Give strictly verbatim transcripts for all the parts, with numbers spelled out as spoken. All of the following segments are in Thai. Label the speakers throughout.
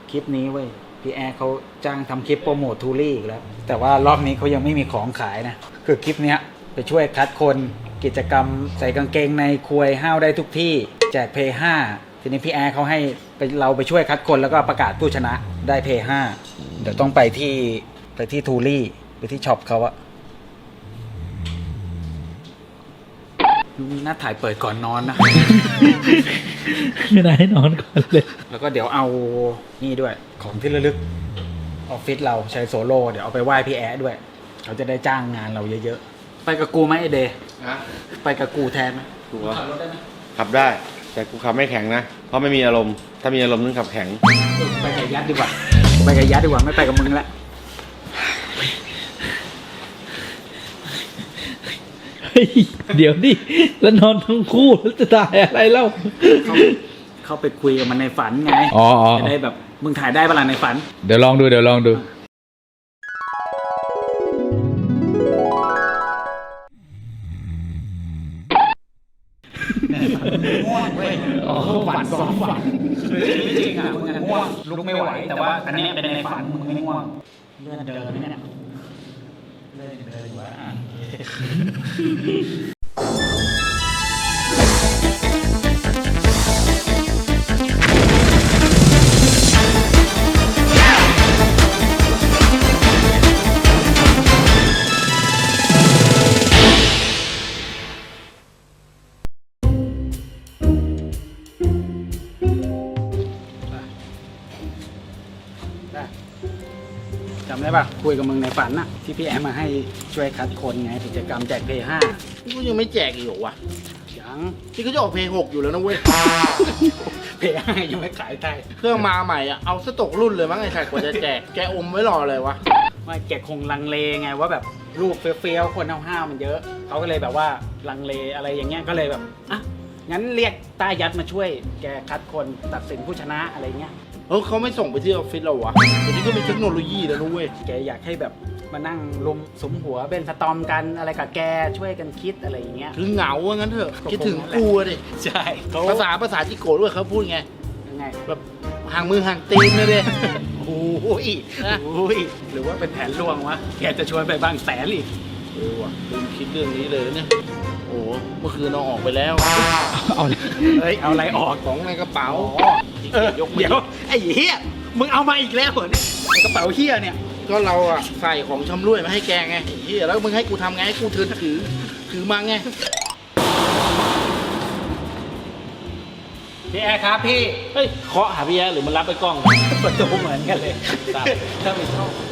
Speaker 1: คลิปนี้เว้ยพี่แอร์เขาจ้างทำคลิปโปรโมททูรี่อีกแล้วแต่ว่ารอบนี้เขายังไม่มีของขายนะคือคลิปเนี้ยไปช่วยคัดคนกิจกรรมใส่กางเกงในควยห้าวได้ทุกที่แจกเพย์ห้าทีนี้พี่แอร์เขาให้ไปเราไปช่วยคัดคนแล้วก็ประกาศผู้ชนะได้เพย์ห้าเดี๋ยวต้องไปที่ไปที่ทูรี่ไปที่ช็อปเขาอะมีหน้าถ่ายเปิดก่อนนอนนะ
Speaker 2: ไม่ได้ให้นอนก่อนเลย
Speaker 1: แล้วก็เดี๋ยวเอานี่ด้วยของที่ระลึกออฟฟิศเราใช้โซโล่เดี๋ยวเอาไปไหว้พี่แอด้วยเขาจะได้จ้างงานเราเยอะๆไปกับกูไหมไอเดย์ไปกับกูแทนไหม
Speaker 3: กูว่า
Speaker 1: ขับรถได้ไหม
Speaker 3: ขับได้แต่กูขับไม่แข็งนะเพราะไม่มีอารมณ์ถ้ามีอารมณ์ต้องขับแข็ง
Speaker 1: ไปกับยัดดีกว่าไปกับยัดดีกว่าไม่ไปกับมึงละ
Speaker 2: เฮ้ยเดี๋ยวดิแล้วนอนทั้งคู่แล้วจะถ่ายอะไรเล่า
Speaker 1: เขาเขาไปคุยกับมันในฝันไง
Speaker 2: อ๋ออ๋อ
Speaker 1: จะได้แบบมึงถ่ายได้ปะล่ะในฝัน
Speaker 2: เดี๋ยวลองดูเดี๋ยวลองดู
Speaker 1: ง่วงเว้ยอ๋อฝันสองฝันคือจริงๆอ่ะมึงง่วงลุกไม่ไหวแต่ว่าอันนี้เป็นในฝันมึงไม่ง่วงเลื่อนเดินไหมเนี่ยเลื่อนเดินอยู่วะอ่ะจำได้ป่ะคุยกับมึงในฝันน่ะที่พี่แอมมาให้ช่วยคัดคนไงกิจกรรมแจกเพย์ห้า
Speaker 4: นี่กูยังไม่แจกอีกเหรอวะ
Speaker 1: ยัง
Speaker 4: ที่เขาจะออกเพลงหกอยู่แล้วนะเว้ย
Speaker 1: เพย์ห้ายังไม่ขายไทย
Speaker 4: เครื่องมาใหม่อ่ะ เอาสตกรุ่นเลยมั้งไอ้ใครกว่าจะแจก แกอมไว้รอเลยวะ
Speaker 1: ไม่แกคงลังเลไงว่าแบบรูปเฟี้ยวๆคนห้าวๆมันเยอะเขาก็เลยแบบว่าลังเลอะไรอย่างเงี้ยก็เลยแบบอ่ะงั้นเรียกต้ายัดมาช่วยแกคัดคนตัดสินผู้ชนะอะไรเงี้ย
Speaker 4: เออเขาไม่ส่งไปที่ออฟฟิศเราวะเดี๋ยวนี้ก็มีเทคโนโลยีแล้วนะเว้ย
Speaker 1: แกอยากให้แบบมานั่งลุมสมหัวเป็นสตอมกันอะไรกับแกช่วยกันคิดอะไรอย่างเงี้ย
Speaker 4: คือเหงาว่างั้นเถอะ คิดถึงกูอะดิ
Speaker 1: ใช่เขา
Speaker 4: ภาษาภาษาจิโกะด้วยเขาพูดไง
Speaker 1: ยังไง
Speaker 4: แบบห่างมือห่างตีนเลยดิ
Speaker 1: โอ้ยโอ้ยหรือว่าเป็นแผนลวงวะแกจะชวนไปบางแสนอีก
Speaker 4: เออว่ะลืมคิดเรื่องนี้เลยเนี่ย โอ้โหเมื่อคืนเราออกไปแล้ว
Speaker 2: เอาเลย
Speaker 1: เฮ้ยเอาอะไรออก
Speaker 4: ของในกระเป๋า
Speaker 1: เออยกเดี๋ยวไอ้เหี้ยมึงเอามาอีกแล้วเหรอเนี่ยไอ้กระเป๋าเหี้ยเนี่ย
Speaker 4: ก็เราอะใส่ของชำร่วยมาให้แกไงไอ้เฮียแล้วมึงให้กูทำไงให้กูถือถือถือมาไง
Speaker 1: พี่แอร์ครับพี่
Speaker 4: เฮ้ยเคาะหาพี่แอ๊หรือมันรับไปกล้อง
Speaker 1: ประตูเหมือนกันเลยถ้าไม่ชอบ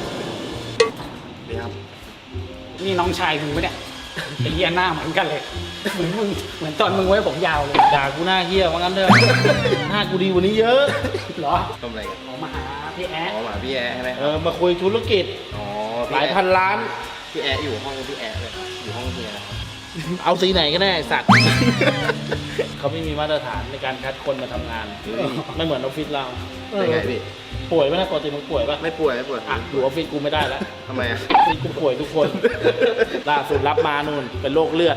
Speaker 1: นี่น้องชายมึงปะเนี่ยไอ้เหี้ยหน้าเหมือนกันเลยเหมือนมึงเหมือนตอนมึงไว้ผมยาวเลย
Speaker 4: ด่ากูหน้าเฮียว่างั้นเถอะหน้ากูดีกว่านี้เยอะ
Speaker 1: เหรอ
Speaker 3: ทำอะไรกัน
Speaker 1: ออกมาหาพี่แอร์
Speaker 3: อ๋อมาพี่แอร์ใช่ไหม
Speaker 4: เออมาคุยธุรกิจ
Speaker 3: อ๋อ
Speaker 4: หลายพันล้าน
Speaker 3: พี่แอร์อยู่ห้องพี่แอร์เลยอยู่ห้องเฮียนะครับ
Speaker 4: เอาสีไหนก็ได้ไอ้สัตว์ เขาไม่มีมาตรฐานในการคัดคนมาทำงาน ไม่เหมือนออฟฟิศเรา
Speaker 3: เป็นไงพี่
Speaker 4: ป่วยไหมนะปกติมึงป่วยปะ
Speaker 3: ไม่ป่วยไม่ป่วย
Speaker 4: อ่ะอยู่ออฟฟิศกูไม่ได้แล้ว
Speaker 3: ทำไมอ่ะ
Speaker 4: ออฟฟิศกูป่วยทุกคน ล่าสุดรับมานู่นเป็นโรคเลือด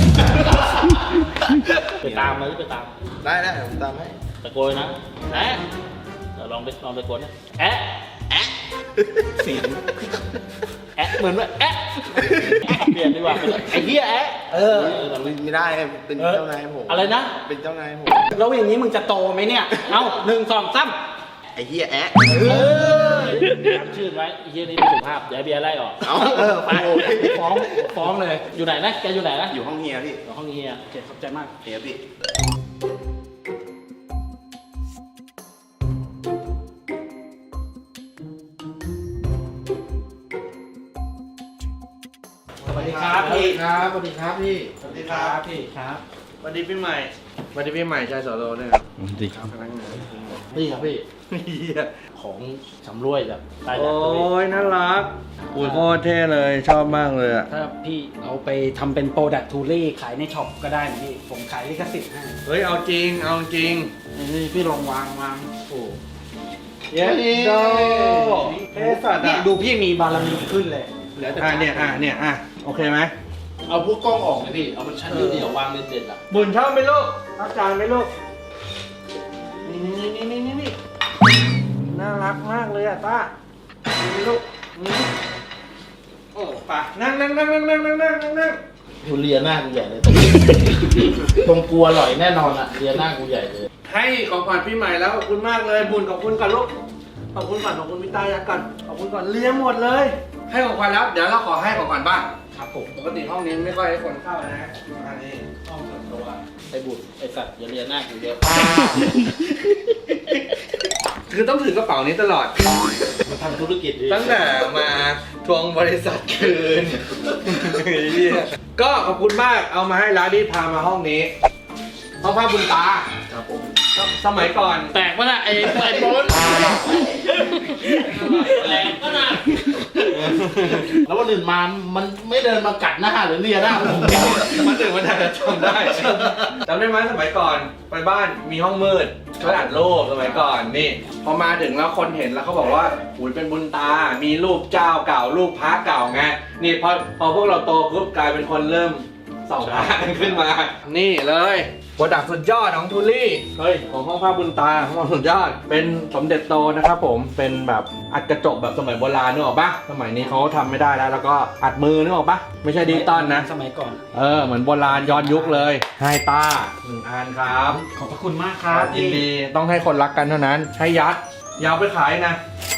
Speaker 4: ไปตามมาไปตาม
Speaker 3: ได้ได้ผมตามให้
Speaker 4: ตะโกนนะแอะเดี๋ยวลองไปลองตะโกนนะแอะแอะเสียงแอะเหมือนว่าแอะเปลี่ยนดีกว่าเป็นไอ้เหี้ยแอะเออ
Speaker 3: ไม่ได้เป็นเจ้านายผม
Speaker 4: อะไรนะ
Speaker 3: เป็นเจ้านายผม
Speaker 1: แล้วอย่างนี้มึงจะโตไหมเนี่ย เอาหนึ่งสองสาม
Speaker 3: ไอ้เฮียแอะ
Speaker 4: เออจำชื่อไว้ไอ้เหี้ยนี่ไม่สุภาพเดี๋ยวเบียร์ไล่ออก
Speaker 3: เอาเออไป
Speaker 1: ฟ้องฟ้องเลย
Speaker 4: อยู่ไหนนะแกอยู่ไหนนะ
Speaker 3: อยู่ห้องเฮียพี่
Speaker 4: อยู่ห้องเฮีย
Speaker 1: โอเคขอบใจมาก
Speaker 3: เฮียพี่
Speaker 1: สวัสดีครับพี่
Speaker 4: ครับสวัสดีครับพี่
Speaker 3: สวัสดีครับ
Speaker 1: พี่ครับ
Speaker 3: สวัสดีพี่ใหม่สวัสดีพี่ใหม่ชายสโลเนี่ยครับ
Speaker 2: ดีครับ
Speaker 3: พนักงาน
Speaker 4: นี่ครับพี่
Speaker 3: เฮีย
Speaker 4: ของชำร่วยแบบใต้แด
Speaker 3: โอ้
Speaker 4: ดตัวนี้
Speaker 3: ยน่ารักอุ้ยโคตรเท่เลยชอบมากเลยอ่ะ
Speaker 1: ถ้าพี่เอาไปทำเป็นโปรดักทูรี่ขายในช็อปก็ได้นะพี่ ผมขายลิขสิทธิ์ให้
Speaker 3: เฮ้ยเอาจริงเอาจริง
Speaker 4: นี่พี่ลองวางวางโอ้
Speaker 3: เย้โดเท่สัตว์
Speaker 1: เนี่ย
Speaker 3: อ่ะ
Speaker 1: ดูพี่มีบารมีขึ้นเลยเหลือแต่
Speaker 3: อ่ะเนี่ยอ่ะเนี่ยอ่ะโอเคไหม
Speaker 4: เอาพวกกล้องออกเลยพี่ เอามันชั้นเดียวๆวางเด่นๆอ่ะ
Speaker 3: บุญชอบไหมลูกรับจานไหมลูกนี่นี่นี่นี่นี่นี่น่าน่ารักมากเลยอะต้านี่ลูกอืมโอ้ไปนั่งนั่งนั่งนั่งนั่งนั่งนั่งนั่งนั่ง
Speaker 4: กูเลียหน้ากูใหญ่เลยตรงกลัวอร่อยแน่นอนอ่ะเลียหน้ากูใหญ่เลย
Speaker 3: ให้ของขวัญปีใหม่แล้วขอบคุณมากเลยบุญขอบคุณก่อนลูกขอบคุณก่อนขอบคุณพี่ตายักก่อนขอบคุณก่อนเลี้ยงหมดเลย ให้ของขวัญแล้วเดี๋ยวเราขอให้ของขวัญบ้าง
Speaker 4: ครับผม
Speaker 3: ปกติห้องนี้ไม่ค่อยให้คนเข้านะอันนี้
Speaker 4: ห้องส่วนตัวไอ้บุตรไอ้สัตว์อย่าเลียหน้ากูเยอะ
Speaker 3: คือต้องถือกระเป๋านี้ตลอด
Speaker 4: มาทำธุรกิจดิ
Speaker 3: ตั้งแต่มาทวงบริษัทคืน ก็ขอบคุณมากเอามาให้ร้านนี้พามาห้องนี้ห้องภาพบุญตา
Speaker 4: ครับผม
Speaker 3: สมัยก่อน
Speaker 4: แตกปะน่ะไอ้ไอ้โบนแรงก็น่ะแล้ววันอื่นมามันไม่เดินมากัดหน้าหรือเลียหน้าผม
Speaker 3: มันถึงมันอาจจะจำได้จำได้ไหมสมัยก่อนไปบ้านมีห้องมืดเขาอัดรูปสมัยก่อนนี่ พอมาถึงแล้วคนเห็นแล้วเขาบอกว่าอุ้ยเป็นบุญตา มีรูปเจ้าเก่ารูปพระเก่าไงนี่พอพอพวกเราโตปุ๊บกลายเป็นคนเริ่มส่องพระกันขึ้นมา นี่เลยโปรดักต์สุดยอดของทูลี่เฮ้ยของห้องภาพบุญตาห้องสุดยอดเป็นสมเด็จโตนะครับผมเป็นแบบอัดกระจกแบบสมัยโบราณนึกออกปะสมัยนี้เขาทำไม่ได้แล้วแล้วก็อัดมือนึกออกปะไม่ใช่ดิจิตอลนะ
Speaker 1: สมัยก่อน
Speaker 3: เออเหมือนโบราณย้อนยุคเลยให้ตาหนึ่งอันครับ
Speaker 1: ขอบพระคุณมากครับ
Speaker 3: ยินดีต้องให้คนรักกันเท่านั้นให้ยัดอยาวไปขายนะ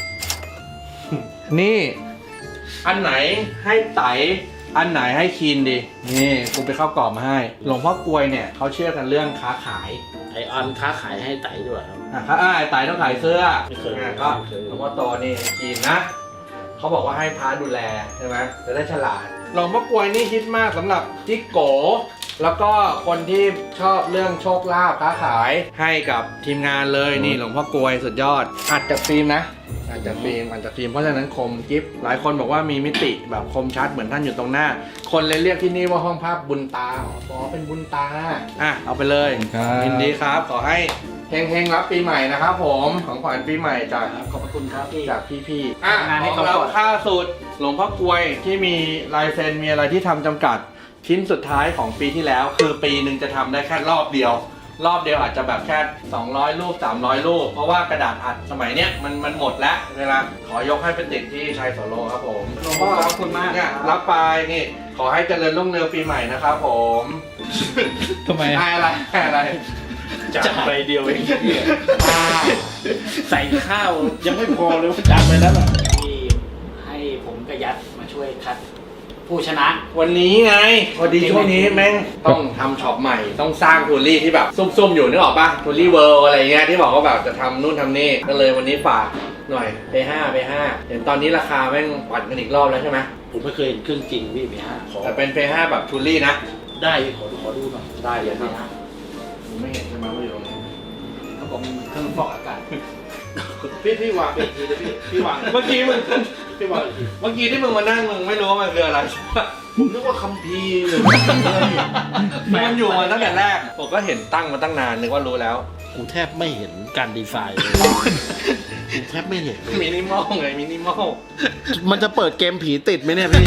Speaker 3: นี่อันไหนให้ไตอันไหนให้คีนดีนี่กูไปเข้ากรอบมาให้หลวงพ่อกลวยเนี่ยเขาเชื่อกันเรื่องค้าขาย
Speaker 4: ไอ้ออนค้าขายให้ไต่ด้วยครับ
Speaker 3: อ่ะครับอ่าไตต้องขายเสื้อ
Speaker 4: ไม่เคย
Speaker 3: อ่ะก็
Speaker 4: ไม่เคย
Speaker 3: หลวงพ่อโตนี่คีนนะเขาบอกว่าให้พระดูแลใช่ไหมจะได้ฉลาดหลวงพ่อกลวยนี่ฮิตมากสำหรับจิ๊กโก แล้วก็คนที่ชอบเรื่องโชคลาภค้าขายให้กับทีมงานเลยนี่หลวงพ่อกลวยสุดยอดอัดจากฟิล์มนะอัดจากฟิล์มอัดจากฟิล์มเพราะฉะนั้นคมกิฟหลายคนบอกว่ามีมิติแบบคมชัดเหมือนท่านอยู่ตรงหน้า คนเลยเรียกที่นี่ว่าห้องภาพบุญตาอ๋อเป็นบุญตาอ่ะเอาไปเลย
Speaker 2: ครับ
Speaker 3: ยินดีครับขอให้เฮงๆรับปีใหม่นะครับผมของขวัญปีใหม่จาก
Speaker 1: ขอบพระคุณครับพี่
Speaker 3: จากพี่ๆอ่ะ
Speaker 1: งานให้
Speaker 3: ของ
Speaker 1: เขา
Speaker 3: เรา
Speaker 1: ก่อน
Speaker 3: ค่าสุดหลวงพ่อกลวยที่มีลายเซ็นมีอะไรที่ทำจำกัด ชิ้นสุดท้ายของปีที่แล้วคือปีหนึ่งจะทำได้แค่รอบเดียว รอบเดียวอาจจะแบบแค่สองร้อยรูปสามร้อยรูปเพราะว่ากระดาษอัดสมัยเนี้ยมันมันหมดแล้วเวลาขอยกให้เป็นติดที่ชัยโสโลครับผม
Speaker 1: หลวงพ่อขอบคุณมาก
Speaker 3: เนี่ยรับไปนี่ขอให้เจริญรุ่งเรืองปีใหม่นะครับผม
Speaker 2: ทำไม
Speaker 3: ให้อะไรให้อะไร
Speaker 4: จับไปเดียวเองใส่ข้าวยังไม่พอเลยจับไปแล้วอ่ะ
Speaker 1: ที่ให้ผมกับยัดมาช่วยคัดผู้ชนะ
Speaker 3: วันนี้ไงพอดีช่วงนี้แม่งต้องทำช็อปใหม่ต้องสร้างทูรี่ที่แบบซุ่มๆอยู่นึกออกปะทูรี่เวิลด์อะไรเงี้ยที่บอกว่าแบบจะทำนู่นทำนี่ก็เลยวันนี้ฝากหน่อยไปห้าไปห้าเห็นตอนนี้ราคาแม่งปั่นกันอีกรอบแล้วใช่ไหม
Speaker 4: ผมไม่เคยเห็นเครื่องจริงพี่เบียร์ขอ
Speaker 3: แต่เป็นเฟห้าแบบทูรี่นะ
Speaker 4: ได้ขอขอดูหน่อย
Speaker 3: ได้เลยครับ
Speaker 4: เบียร์
Speaker 3: ผมไม่เห็นใช่ไหมว่าอยู่ตรงนี้
Speaker 1: ครับผมเครื่องฟอกอากาศ
Speaker 4: พี่พี่วางไปอีกทีเลยพี่พี่วาง
Speaker 3: เมื่อกี้มึง
Speaker 4: พี่วางอีกที
Speaker 3: เมื่อกี้ที่มึงมานั่งมึงไม่รู้ว่ามันคืออะไร
Speaker 4: ผมนึกว่าคัมภีร์หรือ
Speaker 3: มันอยู่มาตั้งแต่แรกผมก็เห็นตั้งมาตั้งนานนึกว่ารู้แล้ว
Speaker 4: กูแทบไม่เห็นการดีไซน์เลยกูแทบไม่เห็นเลย
Speaker 3: มินิมอลไงมินิมอล
Speaker 4: มันจะเปิดเกมผีติดไหมเนี่ยพี่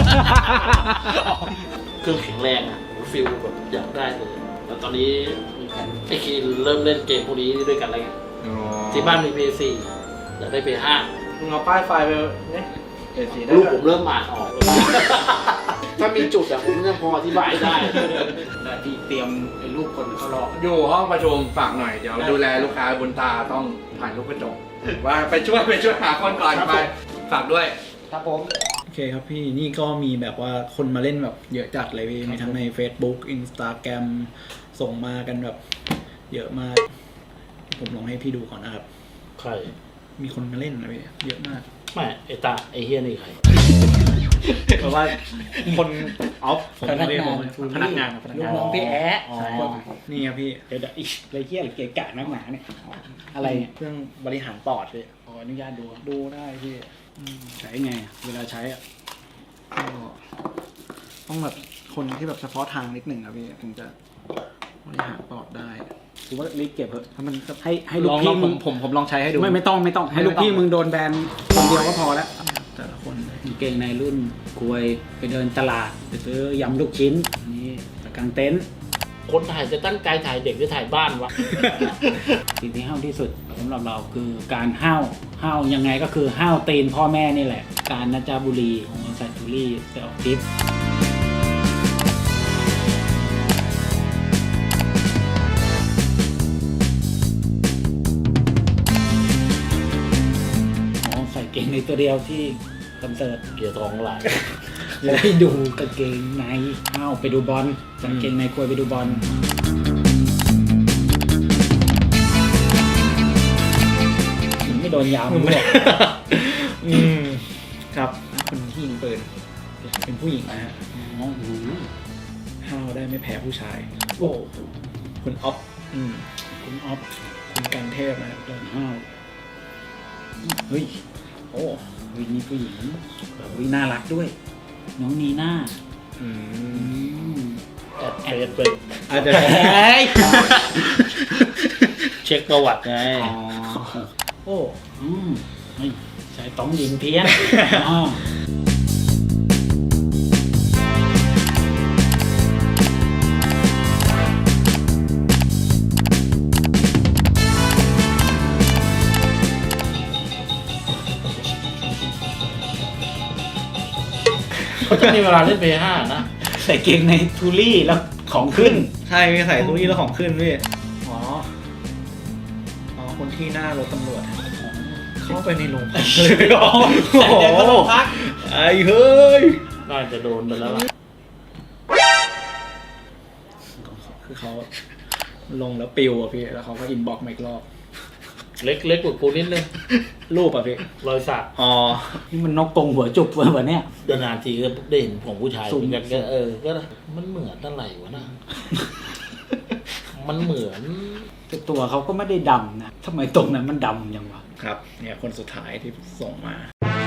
Speaker 4: เครื่องแข็งแรงอ่ะผมฟิลแบบอยากได้เลยแต่ตอนนี้
Speaker 1: มีแผ่น
Speaker 4: ไอ้คีนเริ่มเล่นเกมพวกนี้ด้วยกันแล้วไงที่บ้านมี พี ซี อยากได้ พี ห้า
Speaker 3: มึงเอาป้ายไฟไปเนี่ยเดี๋ยวสีได้
Speaker 4: ลูกผมเริ่มอ่านออกเลย ถ้ามีจุดอะผมยังพออธิบายได้
Speaker 1: แต่ที่เตรียมไอ้รูปคนเขารอ
Speaker 3: อยู่ห้องประชุมฝากหน่อยเดี๋ยวดูแลลูกค้าบุญตาต้องถ่ายรูปกระจกว่าไปช่วยไปช่วยหาคนก่อนไปฝากด้วย
Speaker 1: ครับผม
Speaker 2: โอเคครับพี่นี่ก็มีแบบว่าคนมาเล่นแบบเยอะจัดเลยพี่มีทั้งใน Facebook Instagram ส่งมากันแบบเยอะมาก ผมลองให้พี่ดูก่อนนะครับ
Speaker 4: ใคร
Speaker 2: มีคนมาเล่นนะพี่เยอะมาก
Speaker 4: ไม่ไอตาไอเฮียนี่ใคร
Speaker 2: เพราะว่าคนออฟ
Speaker 1: พนักงาน
Speaker 2: พนักงานพนัก
Speaker 1: ลู
Speaker 2: งาก น
Speaker 1: น้องพี่แอะ
Speaker 4: อ๋อ
Speaker 1: ใช่
Speaker 2: นี่ครับพี่
Speaker 1: เดี๋ยวเดี๋ยวอีกอะไรเงี้ยอะไรเกะกะนักหนาเนี่ย อะไรเนี่ย
Speaker 2: เครื่องบริหารปอดพี่
Speaker 1: ขออนุญาตดู
Speaker 2: ดูได้พี่
Speaker 1: ใช้ไงเวลาใช้อ่ะ
Speaker 2: ก็ต้องแบบคนที่แบบเฉพาะทางนิดหนึ่งครับพี่ถึงจะบริหารปอดได้
Speaker 1: กูว่ารีบเก็บเถอะ
Speaker 2: ถ้ามัน
Speaker 1: ให้ให้ลู
Speaker 2: ล
Speaker 1: ก
Speaker 2: องล
Speaker 1: พี่
Speaker 2: องผ
Speaker 1: มึ
Speaker 2: ม
Speaker 1: ง
Speaker 2: ผมผมลองใช้ให้ดู
Speaker 1: ไม่ไม่ต้องไม่ต้องให้ลูกพี่มึงโดนแบนคนเดียวก็พอแล้ว
Speaker 2: แต่ละคน
Speaker 1: กางเกงในรุ่นกลวยไปเดินตลาดไปซื้อยำลูกชิ้นนี่ตะกางเต็นท์
Speaker 4: คนถ่ายจะตั้งใจถ่ายเด็กหรือถ่ายบ้านวะ
Speaker 1: สิ่งที่ห้าวที่สุดสำหรับเราคือการห้าวห้าวยังไงก็คือห้าวตีนพ่อแม่นี่แหละ การนะจาบุรีของไอซัตทูรี่ไปออกทริปอ๋อใส่เกงในตัวเดียวที่คอนเสิร์ต
Speaker 4: เกียร์ทองหลาย
Speaker 1: แล้วให้ดูกางเกงในห้าวไปดูบอลกางเกงในควยไปดูบอลไม่โดนยามด้วย
Speaker 2: อืมครับคนที่ยิงปืนเป็นผู้หญิงนะฮะ
Speaker 1: อ๋อโอ้โห
Speaker 2: ห้าวได้ไม่แพ้ผู้ชาย
Speaker 1: โอ้
Speaker 2: คุณอ๊อฟอืม
Speaker 1: คุณออฟ
Speaker 2: คุณกันเทพนะครับ
Speaker 1: โดนห้าวเฮ้ย
Speaker 2: โอ้
Speaker 1: เฮ้ยมีผู้หญิงเฮ้ยน่ารักด้วย น้องนีน่า
Speaker 2: อืม
Speaker 1: อืม
Speaker 4: แอดเฟซเป็น
Speaker 2: อาจจะ
Speaker 1: เฮ้ย
Speaker 4: เช็คประวัติไง
Speaker 1: อ๋อ
Speaker 2: โอ้
Speaker 1: อืมเฮ้ยใช้ต้องยิงเพี้ยนอ๋อ
Speaker 4: เขาจะมีเวลาเล่นเพย์ห้านะ
Speaker 1: ใส่เกงในทูรี่แล้วของขึ้น
Speaker 2: ใช่มีใส่ตู้นี้แล้วของขึ้นพี่อ๋ออ๋อคนที่หน้ารถตำรวจเข้าไปในโรงพักเลยเหรอโอ้โหไอ้เฮ้ย
Speaker 4: น่าจะโดนไปแล้วล่ะ
Speaker 2: คือเขาลงแล้วปิวอ่ะพี่แล้วเขาก็อินบ็อกซ์มาอีกรอบ
Speaker 4: เล็กเล็กกว่ากูนิดนึง
Speaker 2: รูปอ่ะพี่
Speaker 4: รอยสัก
Speaker 2: อ๋อ
Speaker 1: นี่มันนกกรงหัวจุกวะเนี่ย
Speaker 4: เดินนานทีก็ได้เห็นของผู้ชาย
Speaker 1: สุ่ม
Speaker 4: เหมือนกันก็เออก็มันเหมือนอะไรวะนะ มันเหมือน
Speaker 1: แต่ตัวเขาก็ไม่ได้ดำนะทำไมตรงนั้นมันดำยังวะ
Speaker 2: ครับเนี่ยคนสุดท้ายที่ส่งมา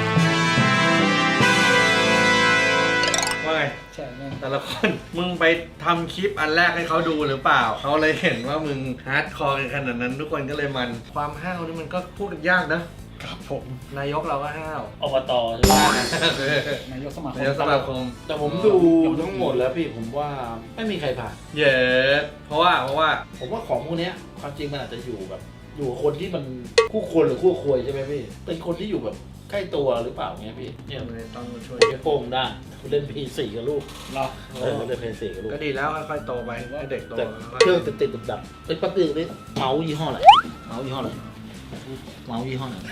Speaker 2: ว่าไง
Speaker 1: ใช่แม่
Speaker 3: แต่ละคนมึงไปทำคลิปอันแรกให้เขาดูหรือเปล่าเขาเลยเห็นว่ามึงฮาร์ดคอร์กันขนาดนั้นทุกคนก็เลยมันความห้าวนี่มันก็พูดกันยากนะครับผมนายกเราก็ห้าว
Speaker 4: อบตใช่ไหม
Speaker 1: นายกสมาคม
Speaker 3: นายกสมาคม
Speaker 4: แต่ผมดูทั้งหมดแล้วพี่ผมว่าไม่มีใครผ่าน
Speaker 3: เย้เพราะว่าเพราะว่า
Speaker 4: ผมว่าของพวกเนี้ยความจริงมันอาจจะอยู่แบบ อยู่กับคนที่มันคู่ควรหรือคู่ควรใช่ไหมพี่เป็นคนที่อยู่แบบใกล้ตัวหรือเปล่าเงี้ยพี่เนี่ย
Speaker 3: ต้องช่วย
Speaker 4: ไอ้โป้งได้เล่นพีสี่กับลูก
Speaker 1: เหรอ
Speaker 4: เออเล่นพีสี่กับลูก
Speaker 3: ก็ดีแล้วค่อยๆโตไปให้เด็กโต
Speaker 4: แต่เครื่องติดติดดับดับไอ้ยปั๊บติดนี่เมาส์ยี่ห้ออะไรเมาส์ยี่ห้ออะไรเมาส์ยี่ห้อไหน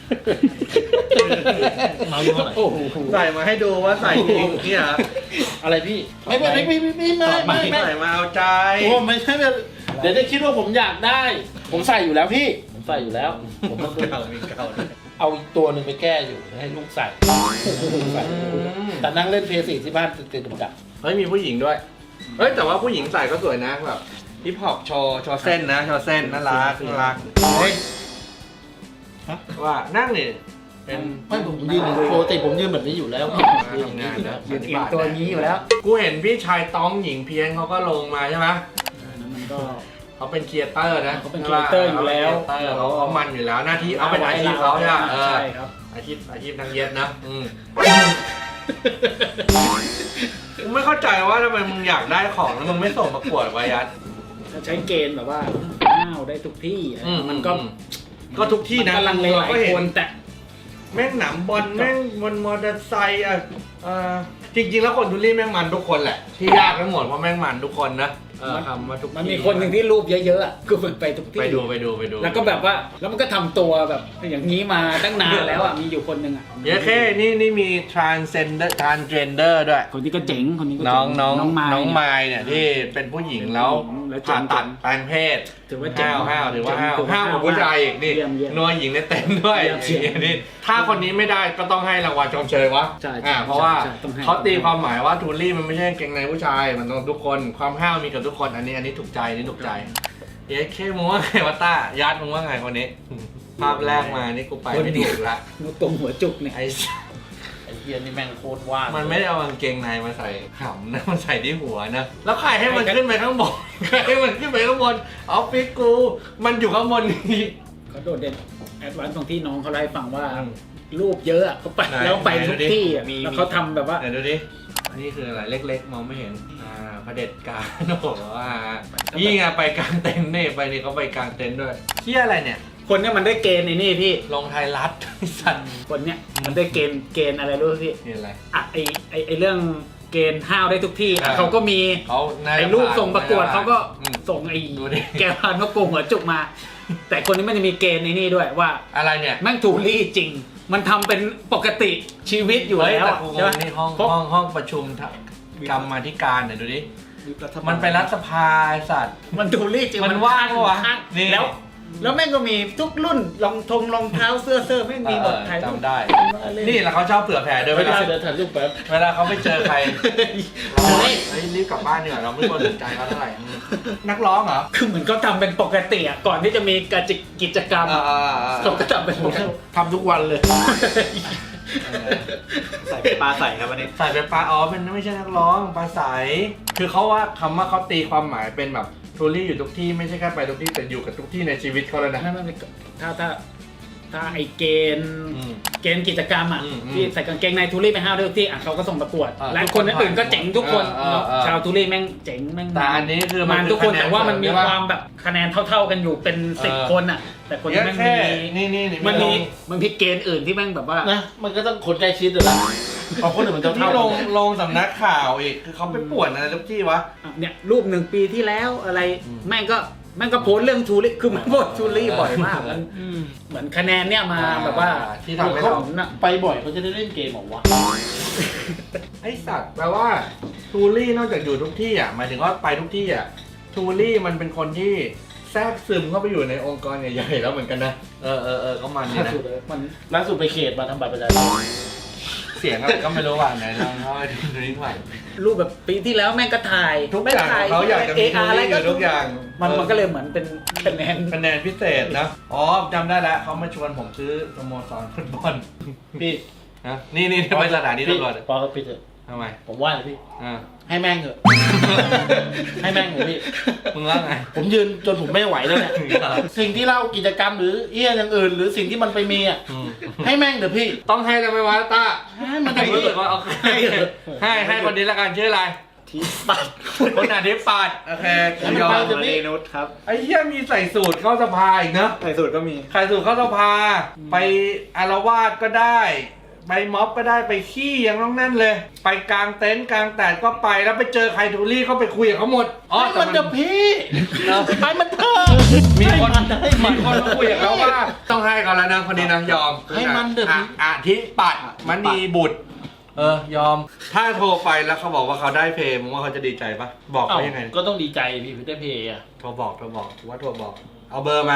Speaker 4: เมาส์ยี่ห้อไหน
Speaker 1: โอ้โห
Speaker 3: ใส่มาให้ดูว่าใส่จริงเนี่ยเหรอ
Speaker 4: อะไรพี่ไม่ไม่ไม่ไม่ไม่ไม่ไม่ไม่
Speaker 3: ใส่มาเอาใจ
Speaker 4: โอ้ไม่ใช่เลยเดี๋ยวจะคิดว่าผมอยากได้ ผมใส่อยู่แล้วพี่ผมใส่อยู่แล้วผมต้อง
Speaker 3: เก่ามีเก่าด้วย
Speaker 4: เอาอีกตัวหนึ่งไปแก้อยู่ให้ลูกใส่ใส่แต่นั่งเล่นเพย์สี่ที่บ้านติดติดดับ
Speaker 3: เฮ้ยมีผู้หญิงด้วย เฮ้ยแต่ว่าผู้หญิงใส่ก็สวยนะแบบฮิปฮอปโชว์โชว์เส้นนะโชว์เส้นน่ารักน่ารักเฮ้ยว่านั่งนี่เป็น
Speaker 4: ไม่ผมยืนปกติผมยืนแบบนี้อยู่แล้ว
Speaker 3: ทำงานนะ
Speaker 1: ยืนเอียงตัวนี้อยู่แล้ว
Speaker 3: กูเห็นพี่ชายต้องหญิงเพียงเขาก็ลงมาใช่ไหม
Speaker 1: นั้นมันก็
Speaker 3: เขาเป็นครีเอเตอร์นะ
Speaker 1: เขาเป็นครีเอเตอร์อยู่แล้ว
Speaker 3: เขาเป็นครีเอเตอร์เขาเขามันอยู่แล้วหน้าที่เอาเป็นอาชีพเขาใช่ไหมเออ
Speaker 1: ใช่ครับ
Speaker 3: อาชีพอาชีพนางเย็ดนะอืมกูไม่เข้าใจว่าทำไมมึงอยากได้ของแล้วมึงไม่ส่งประกวดไว้ยัด
Speaker 1: ถ้าใช้เกณฑ์แบบว่าห้าวได้ทุกที่อะไร
Speaker 3: อืม
Speaker 1: มันก็
Speaker 3: ก็ทุกที่นะ
Speaker 1: มักำลังเลหลาย
Speaker 3: ก็เห็
Speaker 1: คนแต่
Speaker 3: แม่งหนำบอลแม่งบนมอเตอร์ไซค์อ่ะเอ่อจริงๆแล้วคนทุลี่แม่งมันทุกคนแหละ ที่ยากทั้งหมดเพราะแม่งมันทุกคนนะเออคำว่าทุก
Speaker 1: มันมีคนหนึ่งที่รูปเยอะๆอะคือมันไปทุกที่
Speaker 3: ไปดูไปดูไปดู
Speaker 1: แล้วก็แบบว่าแล้วมันก็ทำตัวแบบอย่างนี้มาตั้งนานแล้วอ่ะมีอยู่คนหนึ่งอ่ะ
Speaker 3: เย้แค่นี่นี่มี transgender transgender ด้วย
Speaker 1: คนนี้ก็เจ๋งคนนี้ก็
Speaker 3: น้
Speaker 1: เจ๋
Speaker 3: องน้อง
Speaker 1: น้องไม้
Speaker 3: น้องไมล์เนี่ยที่เป็นผู้หญิงแล้ว
Speaker 1: แล้วเจ๋
Speaker 3: ผ่าง ตัดแปลงเพศ
Speaker 1: ถือว่าเจ๋ง
Speaker 3: ห้าวห้าวถือว่าห้าว
Speaker 1: ถือว่า
Speaker 3: ห้าวกว่าผู้ชายอีกนี่
Speaker 1: เยี่ยมเยี่ยม
Speaker 3: นัวหญิงในเต็นท์ด้วย
Speaker 1: เยี่ยมเยี่ยม
Speaker 3: นี่ถ้าคนนี้ไม่ได้ก็ต้องให้รางวัลชมเชยวะ
Speaker 1: ใช่ใช่
Speaker 3: อ่าเพราะว่า
Speaker 1: ใช่ต้องให้
Speaker 3: เขาตีความหมายว่าทูลี่มันไม่ใช่กางเกงในผู้ชายมันต้องทุกคนความห้าวมีกับทุกคนอันนี้อันนี้ถูกใจอันนี้ถูกใจเย้แค่มึงว่าไงวะต้ายัดมึงว่าไงคนนี้ภาพแรกมานี่กูไปไม่ถูกละ
Speaker 1: นกตรงหัวจุกเนี่ย
Speaker 3: ไอ้
Speaker 4: ไอ้เฮียนี่แม่งโคตรว่าง
Speaker 3: มันไม่ได้เอากางเกงในมาใส่หำนะ มันใส่ที่หัวนะ แล้วใครให้มันขึ้นไปข้างบน ใครให้มันขึ้นไปข้างบนออฟฟิศกู มันอยู่ข้างบนนี่
Speaker 1: เขาโดดเด่นแอดวานซ์ตรงที่น้องเขาเล่าให้ฟังว่า
Speaker 3: อืม
Speaker 1: รูปเยอะอะเขาไป
Speaker 3: ไหน
Speaker 1: แล้วไป
Speaker 3: ไหน
Speaker 1: ทุก
Speaker 3: ดูดิ
Speaker 1: ที่อะ
Speaker 3: มี
Speaker 1: แล้วเขาทำแบบว่า
Speaker 3: ไหนดูดิ อันนี้คืออะไรเล็กๆ มองไม่เห็น อ่าเผด็จการโอ้โหอ่านี่ไงไปกลางเต็นท์นี่ไปนี่เขาไปกลางเต็นท์ด้วยเที่ยอะไรเนี่ย
Speaker 1: คนเนี้ยมันได้เกณฑ์ในนี่พี่
Speaker 3: ลงไทยรัฐไอ้สัตว์
Speaker 1: คนเนี้ยมันได้เกณฑ์เกณฑ์อะไรรู้ไหมพี่
Speaker 3: นี่อะไร
Speaker 1: อ่ะไอไอไอเรื่องเกณฑ์ห้าวได้ทุกที่
Speaker 3: อ่า
Speaker 1: เขาก็มี
Speaker 3: เขาน่าจะ
Speaker 1: ไอ้รูปส่งประกวด
Speaker 3: ผ่าน
Speaker 1: เขาก็
Speaker 3: อืม
Speaker 1: ส่งไอ้
Speaker 3: ดูดิ
Speaker 1: แกวพานเขาโกงหัวจุกมา แต่คนนี้มันจะมีเกณฑ์ในนี่ด้วยว่า
Speaker 3: อะไรเนี่ย
Speaker 1: แม่งถูกลี่จริง มันทำเป็นปกติชีวิตอยู่
Speaker 3: เฮ้ย
Speaker 1: แล้ว
Speaker 3: แต่
Speaker 1: อะ
Speaker 3: กูง
Speaker 1: ใช่ไหม
Speaker 3: งนี่ห้อง
Speaker 1: เพราะ
Speaker 3: ห้องห้องประชุมกรรมาธิการเนี่ยดูดิ
Speaker 2: รัฐบาล
Speaker 3: มันไปรัฐสภาไอ้สัตว์
Speaker 1: มันถูกลี่จริง
Speaker 3: มันว่างปะวะ
Speaker 1: ข้าง
Speaker 3: นี่
Speaker 1: แล้ว แล้วแม่งก็มีทุกรุ่นรองทงรองเท้าเสื้อเสื้อแม่งมีหมด
Speaker 3: เออ
Speaker 1: ถ่ายรูป
Speaker 3: จำได้
Speaker 1: นี่
Speaker 3: นี่แหละเขาชอบเผื่อแผ่ด้วย
Speaker 4: เว
Speaker 3: เว
Speaker 4: ลา
Speaker 3: ลา
Speaker 4: เดินถ่ายรูปแป๊บ
Speaker 3: เวลาเขาไปเจอใคร
Speaker 4: เฮ้ย
Speaker 3: เฮ้ยรีบกลับบ้านดีกว่าเราไม่ควรสนใจเขาเท่าไหร่อืมนักร้องเหรอ
Speaker 1: คือเหมือนเขาทำเป็นปกติอ่ะก่อนที่จะมีกิจกิจกรรมอะเขาก็ทำเป็นปกติ
Speaker 4: ทำทุกวันเลย
Speaker 2: ใส่เป็นปลาใส่ครับวันนี้
Speaker 3: ใส่เป็นปลาอ๋อเป็นไม่ใช่นักร้องปลาใสคือเขาว่าคำว่าเขาตีความหมายเป็นแบบทูรี่อยู่ทุกที่ไม่ใช่แค่ไปทุกที่แต่อยู่กับทุกที่ในชีวิตเขาเลยนะ
Speaker 1: ไม่ไม่ไม่ถ้าถ้าถ้าไอเกณฑ์
Speaker 3: อืม
Speaker 1: เกณฑ์กิจกรรมอ่ะ
Speaker 3: อืมอืม
Speaker 1: ที่ใส่กางเกงในทูรี่ไปห้าวด้วยทุกที่อ่ะเขาก็ส่งประกวด
Speaker 3: อ่า
Speaker 1: และคนอื่นๆก็เจ๋งทุกคน
Speaker 3: เออเออเออ
Speaker 1: ชาวทูรี่แม่งเจ๋งแม่ง
Speaker 3: แต่อันนี้คือ
Speaker 1: มันทุกคน
Speaker 3: อ
Speaker 1: แต่ว่ามันมี
Speaker 3: ใช่ปะ
Speaker 1: ความแบบคะแนนเท่า ๆกันอยู่เป็นสิบ
Speaker 3: เออ
Speaker 1: คนอ่ะ แต่คน
Speaker 3: เย
Speaker 1: นี้
Speaker 3: อะ
Speaker 1: แม่ง
Speaker 3: แค่
Speaker 1: มี
Speaker 3: นี่นี่นี่
Speaker 1: มันมี
Speaker 3: ลง
Speaker 1: มันมีเกณฑ์อื่นที่แม่งแบบว่า
Speaker 4: นะ มันก็ต้องคนใกล้ชิดเลยละเอาคนอื่นมันเท่า
Speaker 3: ที่
Speaker 4: เท่า
Speaker 3: ลงลงสำนักข่าวอีกคือเขาไปป่วนอะไรทุกที่วะ
Speaker 1: อ่ะเนี่ยรูปหนึ่งปีที่แล้วอะไร
Speaker 3: อืม
Speaker 1: แม่งก็แม่งก็โพสต์เรื่องทูรี่คือมันโพสต์ทูรี่บ่อยมากมัน
Speaker 4: อืม
Speaker 1: เหมือนคะแนนเนี่ยมาแบบว่า
Speaker 3: ที่ทำให้
Speaker 1: เขา
Speaker 3: เรา
Speaker 1: น่ะ
Speaker 4: ไปบ่อยเขาจะได้เล่นเกมเหรอวะ
Speaker 3: ไอสัตว์แปลว่าทูรี่นอกจากอยู่ทุกที่อ่ะหมายถึงว่าไปทุกที่อ่ะทูรี่มันเป็นคนที่แทรกซึมเข้าไปอยู่ในองค์กรใหญ่ๆแล้วเหมือนกันนะเออเออเออก็มันดี
Speaker 1: ล่า
Speaker 3: นะ
Speaker 1: สุดเลยมัน
Speaker 4: ล่าสุดไปเขตมาทำบัตรประชาชน
Speaker 3: เสียงอะไรก็ไม่รู้ว่าไหนลองเข้าไปดูนิดหน่อย
Speaker 1: รูปแบบปีที่แล้วแม่งก็ถ่าย
Speaker 3: ทุกอย่างของเขาอยากจะมี
Speaker 1: เออะไรก็
Speaker 3: ทุกอย่าง
Speaker 1: มัน
Speaker 3: เออ
Speaker 1: มันก็เลยเหมือนเป็นคะแนน
Speaker 3: คะแนนพิเศษนะอ๋อจำได้แล้วเขามาชวนผมซื้อสโมสรฟุตบอล
Speaker 4: พี่
Speaker 3: นะนี่นี่ไปสถานี
Speaker 4: พี่
Speaker 3: ตำรวจ
Speaker 4: พอพี่เถอะ
Speaker 3: ทำไม
Speaker 4: ผมว่าเลยพี่
Speaker 3: อ่า
Speaker 4: ให้แม่งเถอะ ให้แม่งเถอะพี่
Speaker 3: มึงว่าไง
Speaker 4: ผมยืนจนผมไม่ไหวแล้วเนี่ย สิ่งที่เล่ากิจกรรมหรือเอี้ยอย่างอื่น หรือสิ่งที่มันไปมีอ่ะ
Speaker 3: อืม
Speaker 4: ให้แม่งเถอะพี่
Speaker 3: ต้องให้ได้ไหมวะต้า
Speaker 4: ให้มัน
Speaker 3: ให้
Speaker 4: เถอะ
Speaker 3: รู้
Speaker 4: พี่
Speaker 3: สึกว่าโอเคให้ให้คนนี้ละกันชื่ออะไร
Speaker 1: ทีปัด
Speaker 3: คนอาทิตย์ปัดโอเคกูยอม
Speaker 4: ให้มันไปเถอะ
Speaker 2: เรนุชครับ
Speaker 3: ไอ้เหี้ยมีใส่สูตรเข้าสภาอีกเนอะ
Speaker 2: ใส่สูตรก็มี
Speaker 3: ใส่สูตรเข้าสภา ไปอารวาสก็ได้ ไปม็อบก็ได้ไปขี้ยังต้องนั่นเลย ไปกลางเต็นท์กลางแดดก็ไปแล้วไปเจอใครทูรี่ก็ไปคุยกับเขาหมดอ๋อ
Speaker 4: ให้
Speaker 3: แต่
Speaker 4: มัน
Speaker 3: มัน
Speaker 4: เถอะพี่
Speaker 3: เนอะ
Speaker 4: ให้มันเถอะ
Speaker 3: มีคน
Speaker 4: ให้
Speaker 3: มี
Speaker 4: มัน
Speaker 3: คนมาคุยกับเขาว่าต้องให้เขาแล้วนะคนนี้นะยอม
Speaker 4: ให้มันเถอะ
Speaker 3: อ่ะอาทิปัดมันดีบุตร เออยอม ถ้าโทรไปแล้วเขาบอกว่าเขาได้เพลงมึงว่าเขาจะดีใจปะบอก
Speaker 4: เอ้า
Speaker 3: เขายังไง
Speaker 4: ก็ต้องดีใจพี่พี่ได้เพย์อ่ะ
Speaker 3: โทรบอกโทรบอกว่าโทรบอก เอาเบอร์มา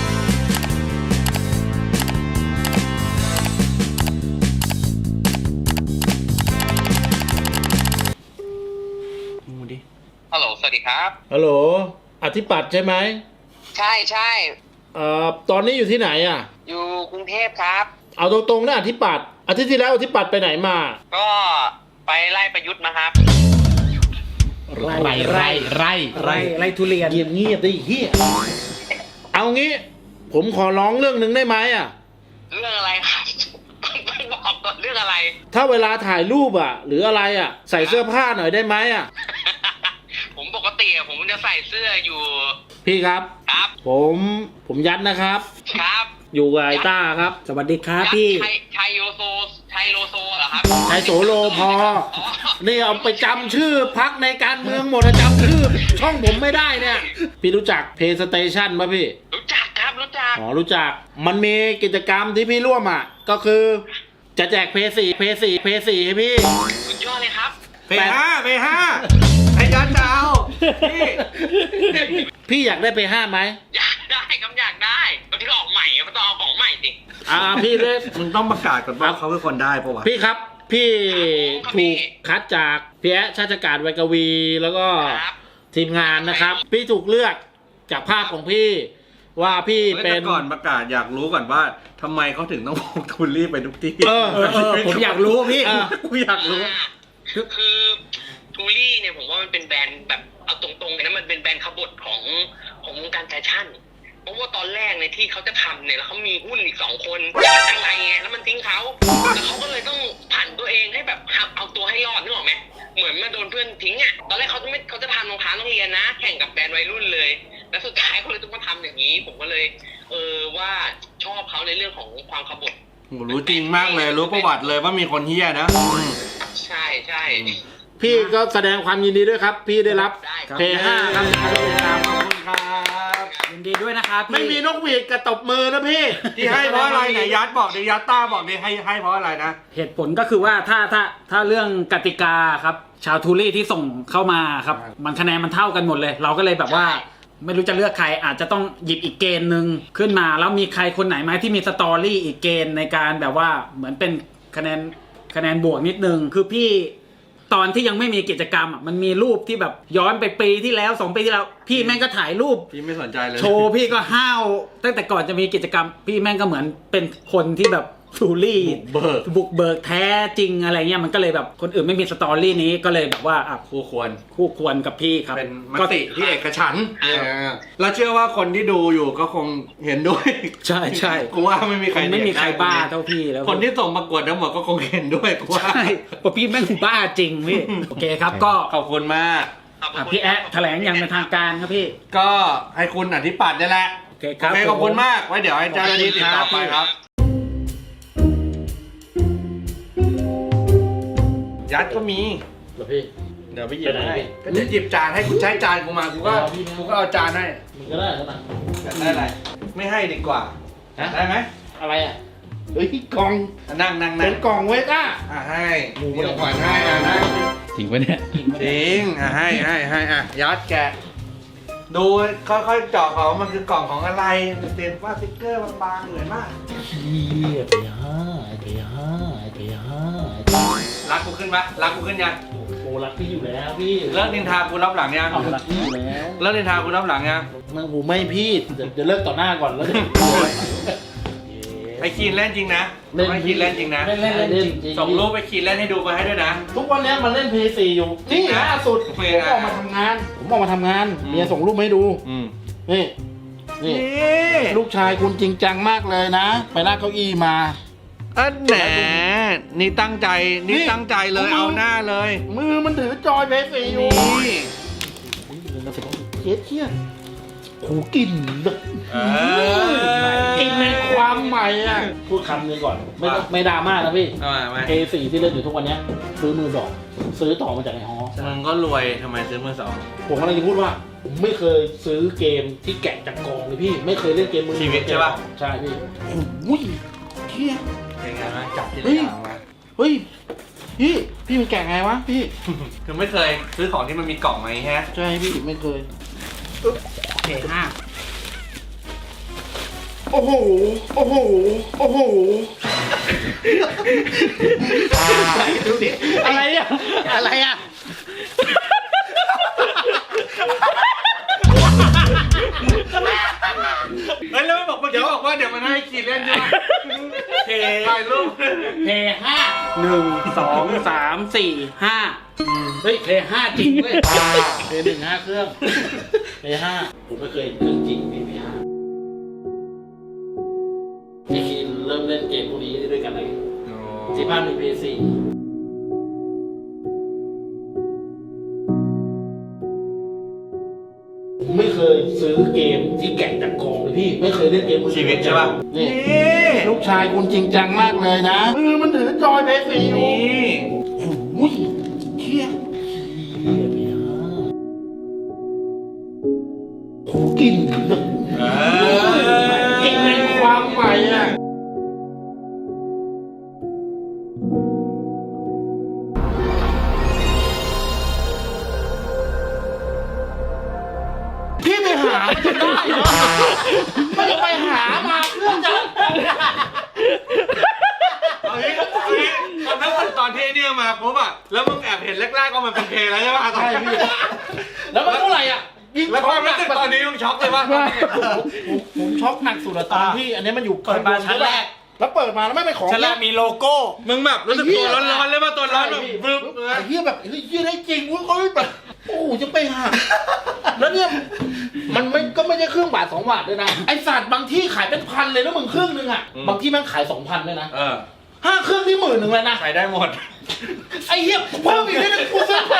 Speaker 3: ดูดิ
Speaker 5: ฮัลโหล สวัสดีครับ
Speaker 4: ฮัลโหลอธิปัตย์ใช่ไหม
Speaker 5: ใช่ใช่
Speaker 4: เอ่อตอนนี้อยู่ที่ไหนอ่ะ
Speaker 5: อยู่กรุงเทพครับ
Speaker 4: เอาตรงๆนะอธิปัตย์อาทิตย์ที่แล้วอธิปัตย์ไปไหนมา
Speaker 5: ก็ไปไล่ประยุทธ์มาครับ
Speaker 1: ไร่
Speaker 4: ไร่ไร่ไร่
Speaker 1: ไร่ไร่ทุเรียน
Speaker 4: เงียบเงียบดิเฮียเอางี้ ผมขอร้องเรื่องหนึ่งได้ไหมอ่ะ
Speaker 5: เรื่องอะไรครับ ต้องบอกก่อนเรื่องอะไร
Speaker 4: ถ้าเวลาถ่ายรูปอ่ะ หรืออะไรอ่ะ ใส่เสื้อผ้าหน่อยได้ไหมอ่ะ
Speaker 5: ผมปกติอะผมจะใส่เสื้ออยู่
Speaker 4: พี่ครับ
Speaker 5: ครับ
Speaker 4: ผมผมยัดนะครับ
Speaker 5: ครับ
Speaker 4: อยู่กับไอต้าครับ
Speaker 1: สวัสดีครับ
Speaker 5: ยักษ์
Speaker 1: พี่
Speaker 5: ไทยไทยโยโซไทยโลโซเหรอครับ
Speaker 4: ไทยโสโลพอ นี่เอาไปจำชื่อพักในการเมืองหมดอะจำชื่อ ช่องผมไม่ได้เนี่ย พี่รู้จักเพย์สเตชันป่ะพี่
Speaker 5: รู้จักครับรู้จัก
Speaker 4: อ๋อรู้จัก มันมีกิจกรรมที่พี่ร่วมอ่ะ ก็คือจะแจกเพย์สี่เพย์สี่เพย์สี่ให้พี่
Speaker 5: สุดยอดเลยครับ
Speaker 3: ไปห้าไปห้าไอ้ยันจะเอาพี่
Speaker 4: พี่อยากได้เพย์ห้าไหม
Speaker 5: อยากได้ครับอยากได้ตอนที่ออกใหม่มันต้องเอาของใหม่สิ
Speaker 4: อ่าพี่เลย
Speaker 2: มึงต้องประกาศก่อนว่าเขาคือคนได้ปะวะ
Speaker 4: พี่ครับ พี่
Speaker 5: ครับ
Speaker 4: ถูกคัดจากพี่แอะชาติการไวยกวี แล้วก็
Speaker 5: ครับ
Speaker 4: ทีมงานนะครับ พี่ถูกเลือกจากภาพของพี่ ว่าพี่
Speaker 3: เฮ้ย
Speaker 4: เป็
Speaker 3: แต่
Speaker 4: น
Speaker 3: ก่อนประกาศอยากรู้ก่อนว่าทำไมเขาถึงต้องพกทูรี่ไปทุกที่
Speaker 4: เออ
Speaker 1: เออเออผมอยากรู้พี่
Speaker 4: อ่ะ
Speaker 1: ผมอยากรู้
Speaker 5: คือคือทูรี่เนี่ยผมว่ามันเป็นแบรนด์แบบเอาตรงๆเลยนะมันเป็นแบรนด์ขบถของของวงการแฟชั่นเพราะว่าตอนแรกเนี่ยที่เขาจะทำเนี่ยแล้วเขามีหุ้นอีกสองคนจังไรไงแล้วมันทิ้งเขาแล้วเขาก็เลยต้องผันตัวเองให้แบบเอาตัวให้รอดนึกออกไหมเหมือนมาโดนเพื่อนทิ้งอ่ะตอนแรกเขาจะไม่เขาจะทำรองเท้าโรงเรียนนะ แข่งกับแบรนด์วัยรุ่นเลย แล้วสุดท้ายเขาเลยต้องมาทำอย่างนี้ ผมก็เลย เออว่าชอบเขาในเรื่องของความขบถ
Speaker 3: โหรู้จริงมากเลย รู้ประวัติเลยว่ามีคนเฮี้ยนะ
Speaker 5: ใช่ใช่
Speaker 4: พี่ก็แสดงความยินดีด้วยครับ พี่ได้รับ
Speaker 5: ได้ครับ
Speaker 4: เพย์ห้าครับ
Speaker 3: ขอบคุณครับ
Speaker 1: ยินดีด้วยนะครับพี่
Speaker 4: ไม่มีนกหวีดกระตบมือนะพี่
Speaker 3: ที่ให้เพราะอะไรไหนยัดบอกดิยัดต้าบอกดิให้ให้เพราะอะไรนะ
Speaker 1: เหตุผลก็คือว่าถ้าถ้าถ้าเรื่องกติกาครับ ชาวทูรี่ที่ส่งเข้ามาครับ มันคะแนนมันเท่ากันหมดเลย เราก็เลยแบบว่า ไม่รู้จะเลือกใครอาจจะต้องหยิบอีกเกณฑ์หนึ่งขึ้นมา แล้วมีใครคนไหนไหมที่มีสตอรี่อีกเกณฑ์ในการแบบว่าเหมือนเป็นคะแนนคะแนนบวกนิดนึงคือพี่ตอนที่ยังไม่มีกิจกรรมอ่ะมันมีรูปที่แบบย้อนไปปีที่แล้วสองปีที่แล้ว พี่แม่งก็ถ่ายรูป
Speaker 3: พี่ไม่สนใจเลย
Speaker 1: โชว์พี่ก็ห้าวตั้งแต่ก่อนจะมีกิจกรรม พี่แม่งก็เหมือนเป็นคนที่แบบทูรี่
Speaker 3: บุกเบิก
Speaker 1: บุกเบิกแท้จริงอะไรเงี้ยมันก็เลยแบบคนอื่นไม่มีสตอรี่นี้ก็เลยแบบว่าอ่ะ
Speaker 3: คู่ควร
Speaker 1: คู่ควรกับพี่ครับ
Speaker 3: เป็นม
Speaker 1: ก็
Speaker 3: ติที่เอกฉันท์เออแล้วเชื่อว่าคนที่ดูอยู่ก็คงเห็นด้วย
Speaker 1: ใช่ใช่
Speaker 3: กูว่าไม่มีใคร
Speaker 1: ไม่มีใคร
Speaker 3: เด็ดได้
Speaker 1: บ้าเท่าพี่แล้ว
Speaker 3: คนที่ส่งประกวดทั้งหมดก็คงเห็นด้วยกูว่า
Speaker 1: ใช่เพราะพี่แม่งบ้าจริงพี่โอเคครับก็
Speaker 3: ขอบคุณมาก
Speaker 1: อ่ะพี่แอะแถลงอย่างเป็นทางการครับพี่
Speaker 3: ก็ให้คุณอธิปัตย์นี่แหละ
Speaker 1: โอเคครับ
Speaker 3: โอเคขอบคุณมากไว้เดี๋ยวให้เจ้าหน้าที่ติดต่อไปครับ ยัดก็มี
Speaker 4: เหรอพี่
Speaker 3: เดี๋ยวไปหยิบ
Speaker 4: ไปไหน
Speaker 3: ให้
Speaker 4: พี่
Speaker 3: ก็จะหยิบจานให้กูใช้จานกูมากูก็
Speaker 4: อ๋อพี่ไม่
Speaker 3: กูก็เอาจานให้
Speaker 4: มึงก็ได้แล้วนะ
Speaker 3: อยากได้อะไรไม่ให้ดีกว่า
Speaker 4: ฮะ
Speaker 3: ได้ไหม
Speaker 4: อะไรอ่ะเฮ้ยกล่อง
Speaker 3: อ่ะนั่งนั่ง
Speaker 4: เป็
Speaker 3: นั่
Speaker 4: น
Speaker 3: ง
Speaker 4: กล่องไว้ก้า
Speaker 3: อ่ะให้
Speaker 4: หมู
Speaker 3: มีของขวัญให้อ่ะนั่ง
Speaker 1: จริงปะเนี่ย
Speaker 3: จริงอ่ะให้ให้ให้อ่ะยัดแกะดูค่อยๆเจาะก่อนว่ามันคือกล่องของอะไรเต็มว่าสติ๊กเกอร์บางๆเหมือนมาก
Speaker 4: เฮียเพย์ห้าเพย์ห้าเพย์ห้า
Speaker 3: รักกูขึ้นปะรักกูขึ้นยัง
Speaker 4: โอ้รักพี่อยู่แล้วพี่
Speaker 3: เลิกนินทากูรับหลังยัง
Speaker 4: เอารักพี่อยู่แล้ว
Speaker 3: เลิกนินทากูรับหลังยัง
Speaker 4: มึงผมไม่พี่เดี๋ยวเดี๋ยวเลิกต่อหน้าก่อนแล้วเดี๋ยว
Speaker 3: ไอคีนเล่นจริงนะไอคีนเล่นจริงนะ
Speaker 4: เล่นเล่นเล่นจริงจริง
Speaker 3: ส่งรูปไปคีนเล่นให้ดูมาให้ด้วยนะ
Speaker 4: ทุกวันเนี้ยมันเล่นเพย์สี่อยู่
Speaker 3: จริง
Speaker 4: นี่
Speaker 3: นะ
Speaker 4: ล่าสุด
Speaker 3: โอ
Speaker 4: ผ
Speaker 3: เค
Speaker 4: ม
Speaker 3: นะ
Speaker 4: ออกมาทำงาน ผมออกมาทำงาน
Speaker 3: อืม
Speaker 4: เมียส่งรูปมาให้ดู
Speaker 3: อืม
Speaker 4: นี่นี่
Speaker 3: นี่
Speaker 4: ลูกชายคุณจริงจังมากเลยนะ ไปลากเก้าอี้มา
Speaker 3: อันแหนนี่ตั้งใจนี่
Speaker 4: นี่
Speaker 3: ตั้งใจเลย
Speaker 4: เอามือ
Speaker 3: เอาหน้าเลย
Speaker 4: มือมันถือจอยเพย์สี่อยู่
Speaker 3: นี่
Speaker 4: เจ๊เที่ยโหกลิ่นแบบ
Speaker 3: เออก
Speaker 4: ลิ่นในความใหม่อ่ะ พูดคำนึงก่อน ไม่ต้องไม่ดราม่านะพี่
Speaker 3: เอามาไหม
Speaker 4: เพย์สี่ที่เล่นอยู่ทุกวันเนี้ยซื้อมือสองซื้อต่อมาจากไอ้ฮอ
Speaker 3: มึงก็รวยทำไมซื้อมือสอง
Speaker 4: ผมกำลังจะพูดว่า ผมไม่เคยซื้อเกมที่แกะจากกองเลยพี่ ไม่เคยเล่นเกมมือ
Speaker 3: ชีวิตใช่ปะ
Speaker 4: ใช่พี่โอ้ยเที่ย
Speaker 3: เป็นไงบ้างจับที่
Speaker 4: เฮ้ย
Speaker 3: หลังมา
Speaker 4: เฮ้ย พี่ พี่มันแกะไงวะพี่
Speaker 3: คือไม่เคยซื้อของที่มันมีกล่องไหมฮะ
Speaker 4: ใช่พี่ไม่เคย
Speaker 1: เพย์ห้า
Speaker 4: โอ้โห โอ้โห โอ้โห
Speaker 1: ดูดิอะไรอ่ะอะไรอ่ะ
Speaker 3: เฮ้ยแล้วไม่บอกเมื่อกี้บอกว่าเดี๋ยวมันให้คีนเล่นใช่ไหม
Speaker 1: เพ
Speaker 3: ถ่ายรูป
Speaker 1: เพย์ห้าหนึ่งสองสามสี่ห้าเฮ้ยเพย์ห้าจริงเว้ย
Speaker 4: เพย์หนึ่งห้าเครื่องเพย์ห้าผมไม่เคยเครื่องจริงพี่เพย์ห้าพี่คินเริ่มเล่นเกมพวกนี้ด้วยกันเลยที่บ้านมีเพย์สี่ผมไม่เคยซื้อเกมที่แกะจากกองเลยพี่ ไม่เคยเล่นเกมมือ
Speaker 3: ชีวิตใช่ปะ
Speaker 4: นี่ลูกชายคุณจริงจังมากเลยนะมือมันถือจอยเพย์สี่อยู่
Speaker 3: นี่
Speaker 4: โอ้ยเที่ยโหกลิ่นแบบ
Speaker 3: เออก
Speaker 4: ลิ่นในความใหม่อ่ะพี่ไปหาจะได้เหรอไม่ได้ไปหามาเพื่อจะ
Speaker 3: เอางี้เอางี้ตอนนั้นตอนที่ไอ้เนี่ยมาปุ๊บอะแล้วมึงแอบเห็นแรกๆก็มันเป็นเพลงแล้วใช่ปะตอน
Speaker 4: ใช่
Speaker 3: นี้
Speaker 4: พี่แล้วมันเท่าไหร่อ่ะยิ่ง
Speaker 3: แล้วความรู้สึกตอนนี้มึงช็อกเลยปะ
Speaker 4: ผมผมช็อกหนักสุดอะตอนที่อันนี้มันอยู่
Speaker 1: เปิดมาชั้นแรก
Speaker 4: แล้วเปิดมาแล้วไม่เป็นของ
Speaker 1: ชั้นแรกมีโลโก้
Speaker 3: มึงแบบรู้สึกตัวร้อนๆเลยป่ะตัวร้อนแบบบึ้ม
Speaker 4: ไอ้เหี้ยแบบเฮ้ยเหี้ยได้จริงเว้ยเฮ้ยแบบโอ้โหจะไปหาแล้วเนี่ยมันไม่ก็ไม่ใช่เครื่องบาทสองบาทด้วยนะไอสัตว์บางที่ขายเป็นพันเลยนะมึงเครื่องนึงอ่ะบางที่แม่งขายสองพันด้วยนะ
Speaker 3: เออ
Speaker 4: ห้าเครื่องที่หมื่นหนึ่งเลยนะ
Speaker 3: ใช้ได้หมด
Speaker 4: ไอ้เหี้ยเพิ่มอีกนิดนึงกูซื้อแพ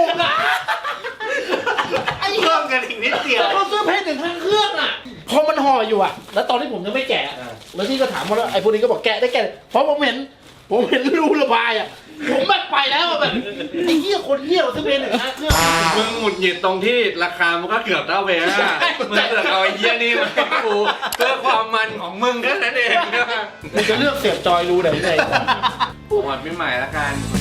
Speaker 4: นะ ไอ้เหี้
Speaker 3: เพิ่
Speaker 4: ย
Speaker 3: มกันอีกนิดเดียว
Speaker 4: เขาซื้อเพชรถึงทั้งเครื่องอ่ะ พอมันห่ออยู่อ่ะ แล้วตอนที่ผมยังไม่แกะ
Speaker 3: อ่า
Speaker 4: แล้วที่ก็ถามว่าไอ้พวกนี้ก็บอกแกะได้แกะเพราะผมเห็น ผมเห็นรูระบายอ่ะ ผมแบบไปแล้วอะแบบไอ้เหี้ยคนเหี้ยซื้อเพชรถึงทั้งเครื่อง
Speaker 3: มึงหงุดหงิดตรงที่ราคามันก็เกือบเท่าเวลามึงเสือกเอาไอ้เหี้ยนี่มาให้กูเพื่อความมันของมึงแค่นั้นเอง
Speaker 4: มึงจะเลือกเสียบจอยรูไหนไหน
Speaker 3: หมดไม่ใหม่ละกัน